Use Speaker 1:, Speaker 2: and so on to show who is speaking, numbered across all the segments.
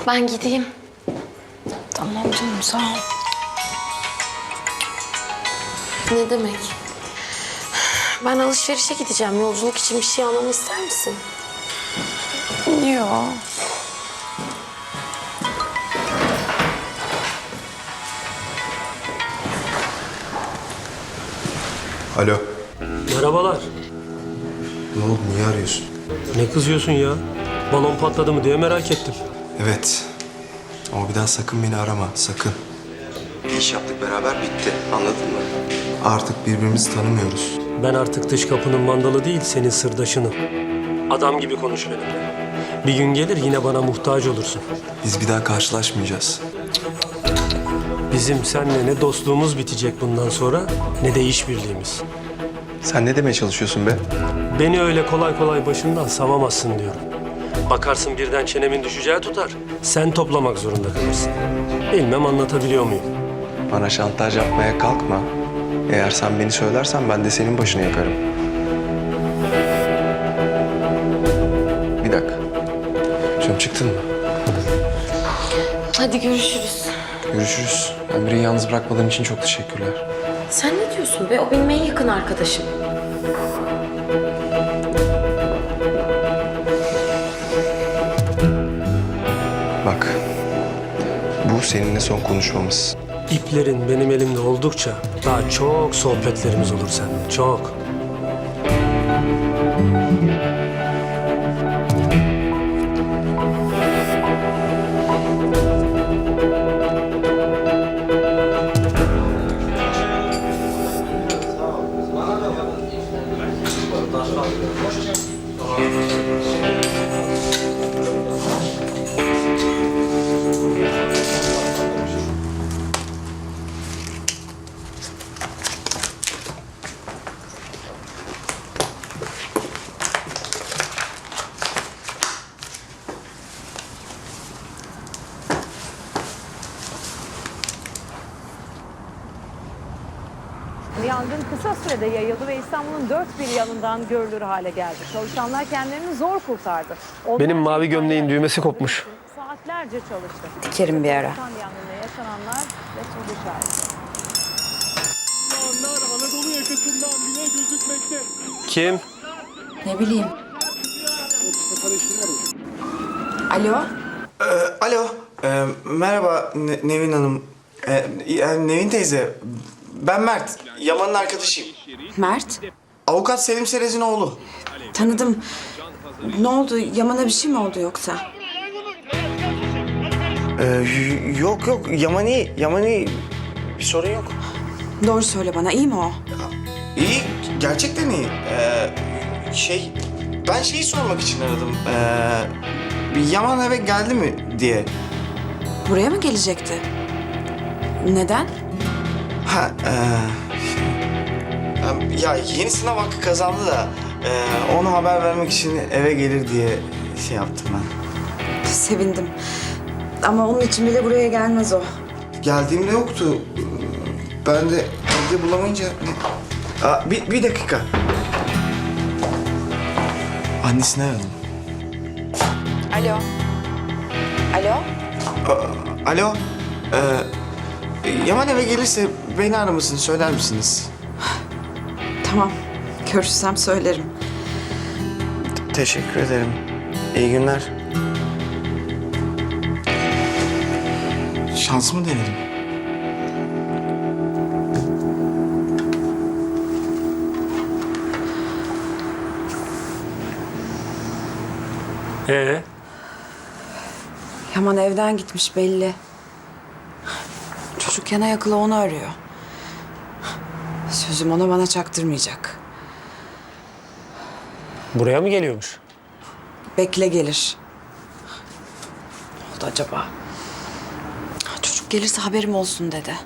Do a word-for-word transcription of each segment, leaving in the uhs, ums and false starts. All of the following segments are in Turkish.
Speaker 1: Ben gideyim.
Speaker 2: Tamam canım, sağ ol.
Speaker 1: Ne demek? Ben alışverişe gideceğim. Yolculuk için bir şey almamı ister misin?
Speaker 2: Yok.
Speaker 3: Alo.
Speaker 4: Merhabalar.
Speaker 3: Ne oldu? Niye arıyorsun?
Speaker 4: Ne kızıyorsun ya? Balon patladı mı diye merak ettim.
Speaker 3: Evet. Ama bir daha sakın beni arama. Sakın. Bir iş yaptık beraber, bitti. Anladın mı? Artık birbirimizi tanımıyoruz.
Speaker 4: Ben artık dış kapının mandalı değil, senin sırdaşınım. Adam gibi konuş benimle. Bir gün gelir yine bana muhtaç olursun.
Speaker 3: Biz bir daha karşılaşmayacağız.
Speaker 4: Bizim seninle ne dostluğumuz bitecek bundan sonra ne de işbirliğimiz.
Speaker 3: Sen ne demeye çalışıyorsun be?
Speaker 4: Beni öyle kolay kolay başından savamazsın diyorum. Bakarsın birden çenemin düşeceği tutar. Sen toplamak zorunda kalırsın. Bilmem anlatabiliyor muyum?
Speaker 3: Bana şantaj yapmaya kalkma. Eğer sen beni söylersen ben de senin başını yakarım. Bir dakika. Canım, çıktın mı?
Speaker 1: Hadi görüşürüz.
Speaker 3: Görüşürüz. Emre'yi yalnız bırakmadığın için çok teşekkürler.
Speaker 1: Sen ne diyorsun be? O benim en yakın arkadaşım.
Speaker 3: Bak. Bu seninle son konuşmamız.
Speaker 4: İplerin benim elimde oldukça daha çok sohbetlerimiz olur seninle, çok.
Speaker 5: Yangın kısa sürede yayıldı ve İstanbul'un dört bir yanından görülür hale geldi. Çalışanlar kendilerini zor kurtardı.
Speaker 4: Benim mavi gömleğin düğmesi kopmuş.
Speaker 5: Saatlerce çalıştı.
Speaker 2: Kerim bir ara.
Speaker 5: Yangında yaşananlar ve soru işareti.
Speaker 4: Anadolu yakasından bile gözükmekte. Kim?
Speaker 2: Ne bileyim. Alo?
Speaker 6: Alo, e, merhaba Ne- Nevin Hanım. E, e, Nevin teyze, ben Mert, Yaman'ın arkadaşıyım.
Speaker 2: Mert?
Speaker 6: Avukat Selim Serez'in oğlu.
Speaker 2: Tanıdım. Ne oldu? Yaman'a bir şey mi oldu yoksa?
Speaker 6: E, y- yok yok, Yaman iyi, Yaman iyi. Bir sorun yok.
Speaker 2: Doğru söyle bana, iyi mi o?
Speaker 6: İyi, gerçekten iyi. E, şey, ben şeyi sormak için aradım. E, Yaman eve geldi mi diye.
Speaker 2: Buraya mı gelecekti? Neden?
Speaker 6: Ha, e, ya yeni sınav hakkı kazandı da e, ona haber vermek için eve gelir diye şey yaptım ben.
Speaker 2: Sevindim. Ama onun için bile buraya gelmez o.
Speaker 6: Geldiğimde yoktu. Ben de evde bulamayınca... Aa, bir, bir dakika. Annesine aradım.
Speaker 2: Alo? Alo?
Speaker 6: Aa, alo. Ee, Yaman eve gelirse beni aramasını söyler misiniz?
Speaker 2: Tamam. Görüşsem söylerim.
Speaker 6: Teşekkür ederim. İyi günler. Şansımı denedim.
Speaker 4: Ee,
Speaker 2: Yaman evden gitmiş belli. Çocuk yana yakıla onu arıyor. Sözüm ona bana çaktırmayacak.
Speaker 4: buraya mı geliyormuş?
Speaker 2: Bekle gelir. Ne oldu acaba? Çocuk gelirse haberim olsun dedi.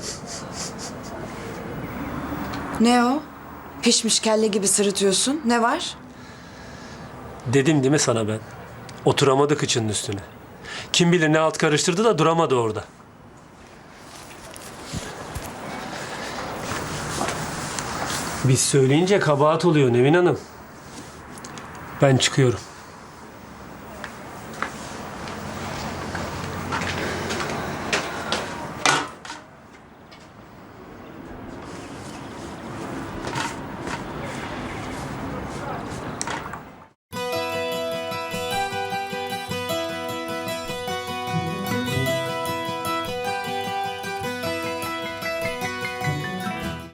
Speaker 2: Ne o? Pişmiş kelle gibi sırıtıyorsun. Ne var?
Speaker 4: Dedim değil mi sana ben? Oturamadı kıçının üstüne. Kim bilir ne alt karıştırdı da duramadı orada. Biz söyleyince kabahat oluyor Nevin Hanım. Ben çıkıyorum.